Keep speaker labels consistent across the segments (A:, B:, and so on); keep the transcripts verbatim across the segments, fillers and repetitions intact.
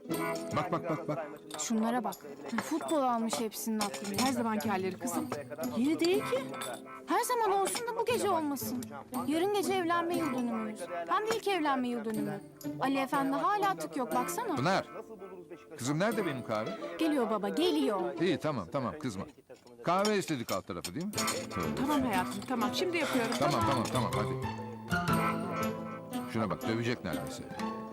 A: Bak bak bak bak.
B: Şunlara bak. Futbol almış hepsinin aklını.
C: Her zamanki halleri kızım. Yeni değil ki.
B: Her zaman olsun da bu gece olmasın. Yarın gece evlenme yıl dönümümüz. Hem de ilk evlenme yıl dönümü. Ali Efendi hala tık yok baksana.
A: Pınar. Kızım nerede benim kahve?
B: Geliyor baba geliyor.
A: İyi tamam tamam kızma. Kahve istedik alt tarafı değil mi? Tövbe.
C: Tamam hayatım tamam şimdi yapıyorum.
A: Tamam tamam tamam hadi. Şuna bak dövecek neredeyse.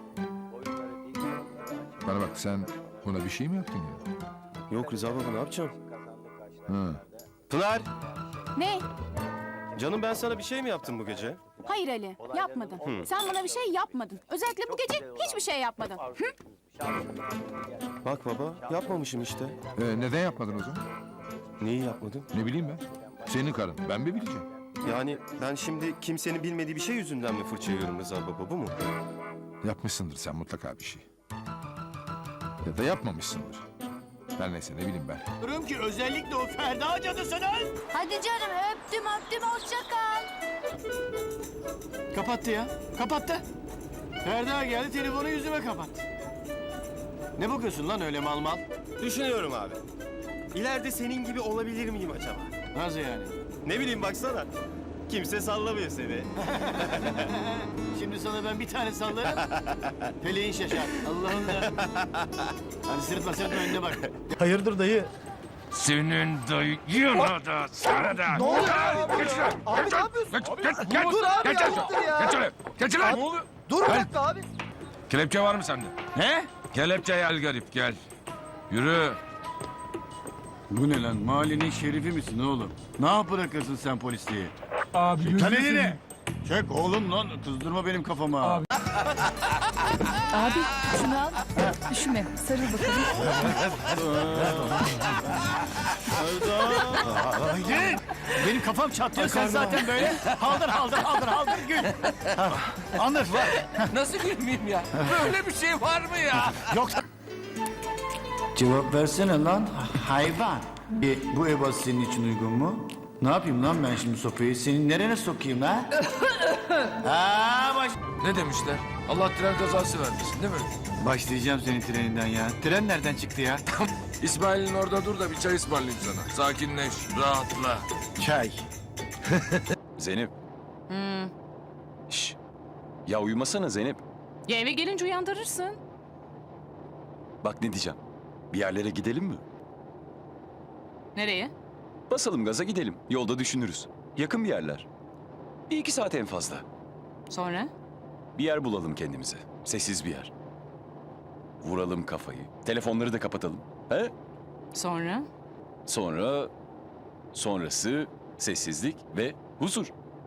A: Bana bak sen buna bir şey mi yaptın ya?
D: Yok Rıza baba ne yapacağım?
A: Ha.
D: Pınar!
B: Ne?
D: Canım ben sana bir şey mi yaptım bu gece?
B: Hayır Ali yapmadın. Sen bana bir şey yapmadın. Özellikle bu gece hiçbir şey yapmadın. Hı?
D: Bak baba yapmamışım işte.
A: Ee, neden yapmadın o zaman?
D: Neyi yapmadım?
A: Ne bileyim ben. Senin karın. Ben mi bileceğim?
D: Yani ben şimdi kimsenin bilmediği bir şey yüzünden mi fırça yiyorum Rıza baba bu mu?
A: Yapmışsındır sen mutlaka bir şey. Ya da yapmamışsındır. Her neyse ne bileyim ben.
E: Diyorum ki özellikle o Ferda cadısının.
B: Hadi canım öptüm öptüm hoşça kal.
E: Kapattı ya. Kapattı. Ferda geldi telefonu yüzüme kapattı. Ne bakıyorsun lan öyle mal mal?
D: Düşünüyorum abi. İleride senin gibi olabilir miyim acaba?
E: Nasıl yani?
D: Ne bileyim baksana. Kimse sallamıyor seni.
E: Şimdi sana ben bir tane sallarım. Peleğin şaşar. Allah'ım da. Hadi sırıtma sırıtma önüne bak.
F: Hayırdır dayı?
G: Senin dayına da sana da. Ne oluyor abi? Geç lan.
F: Abi ne yapıyorsun?
G: Geç, geç, geç.
F: Dur abi
G: Geç
F: ya,
G: lan.
F: dur ya.
G: Geç lan. Geç lan. Ne oluyor?
F: Dur bir
G: Gel.
F: dakika abi.
G: Kelepçe var mı sende?
E: Ne?
G: Kelepçe gel garip gel. Yürü.
H: Bu ne lan? Mahallenin şerifi misin oğlum? Ne yap bırakırsın sen polisliği?
F: Abi
H: Çek lan elini! Çek oğlum lan, kızdırma benim kafama. Abi.
C: Abi şunu al. Üşüme sarıl bakalım.
E: Gel. Benim kafam çatlıyor sen zaten böyle. Haldır haldır haldır haldır gül. Anlat var.
G: Nasıl gülmeyeyim ya? Böyle bir şey var mı ya?
E: Yok.
H: Cevap versene lan hayvan. E, bu ebat senin için uygun mu? Ne yapayım lan ben şimdi sopayı? Senin nerene sokayım ha? Aa, baş...
G: Ne demişler? Allah tren kazası vermesin değil mi?
H: Başlayacağım senin treninden ya. Tren nereden çıktı ya?
G: İsmail'in orada dur da bir çay ısmarlayayım sana. Sakinleş, rahatla.
H: Çay.
I: Zeynep. Şş. Ya uyumasana Zeynep.
C: Ya eve gelince uyandırırsın.
I: Bak ne diyeceğim. Bir yerlere gidelim mi?
C: Nereye?
I: Basalım gaza gidelim. Yolda düşünürüz. Yakın bir yerler. Bir iki saat en fazla.
C: Sonra?
I: Bir yer bulalım kendimize. Sessiz bir yer. Vuralım kafayı. Telefonları da kapatalım. He?
C: Sonra?
I: Sonra... Sonrası sessizlik ve huzur.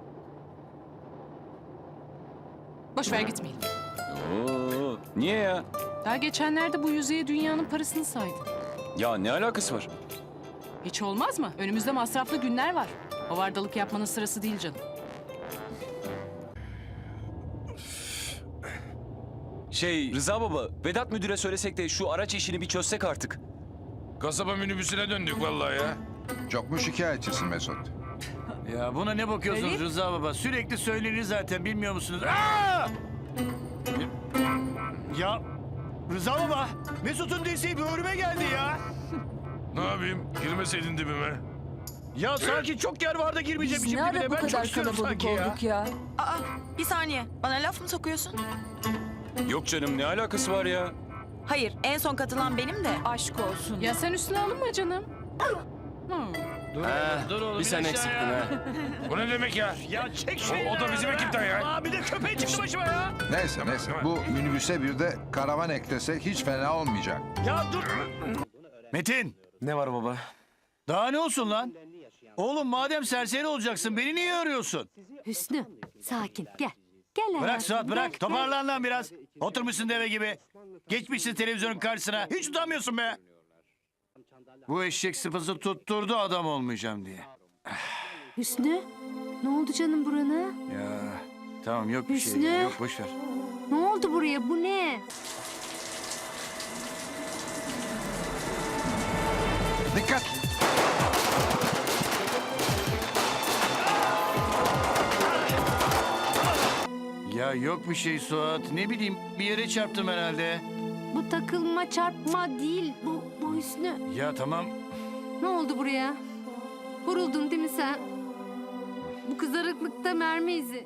C: Boş ver gitmeyelim.
I: Oo, niye ya?
C: Daha geçenlerde bu yüzeye dünyanın parasını saydın.
I: Ya ne alakası var?
C: Hiç olmaz mı? Önümüzde masraflı günler var. Havardalık yapmanın sırası değil canım.
I: Şey Rıza baba, Vedat müdüre söylesek de şu araç işini bir çözsek artık.
G: Kasaba minibüsüne döndük vallahi ya.
A: Çok mu şikayetçisin Mesut?
H: Ya buna ne bakıyorsunuz
C: Elif?
H: Rıza baba? Sürekli söylenir zaten bilmiyor musunuz? Aa!
E: Ya Rıza baba Mesut'un desteği böğrüme geldi ya.
G: Ne yapayım? Girmeseydin dibime.
E: Ya sanki çok yer var da girmeyecekmişim dibine. Ben çok istiyorum sanki ya.
C: ya.
J: Aa, bir saniye. Bana laf mı sokuyorsun?
I: Yok canım ne alakası var ya?
J: Hayır, en son katılan benim de. Aşk olsun.
C: Ya sen üstüne alınma canım. Hmm.
E: Dur oğlum.
D: Bir sen eksiktin ha.
G: Bu ne demek ya?
E: Ya çek
G: O,
E: şeyleri.
G: o da bizim ekipten ya.
E: Aa, bir de köpeği çıktı başıma ya.
A: Neyse neyse. Bu minibüse bir de karavan eklesek hiç fena olmayacak.
E: Ya dur.
H: Metin.
D: Ne var baba?
H: Daha ne olsun lan? Oğlum madem serseri olacaksın beni niye arıyorsun?
B: Hüsnü sakin gel. Gel
H: Bırak
B: hayatım,
H: Suat
B: gel,
H: bırak.
B: gel.
H: Toparlan lan biraz. Oturmuşsun deve gibi. Geçmişsin televizyonun karşısına. Hiç utanmıyorsun be. Bu eşek sıpası tutturdu adam olmayacağım diye.
B: Hüsnü ne oldu canım burana?
H: Ya tamam yok bir şey.
B: Hüsnü.
H: Yok boş ver.
B: Ne oldu buraya bu ne?
A: Dikkat!
H: Ya yok bir şey Suat. Ne bileyim bir yere çarptım herhalde.
K: Bu takılma çarpma değil. Bu, bu Hüsnü.
H: Ya tamam.
K: Ne oldu buraya? Vuruldun değil mi sen? Bu kızarıklıkta mermi izi.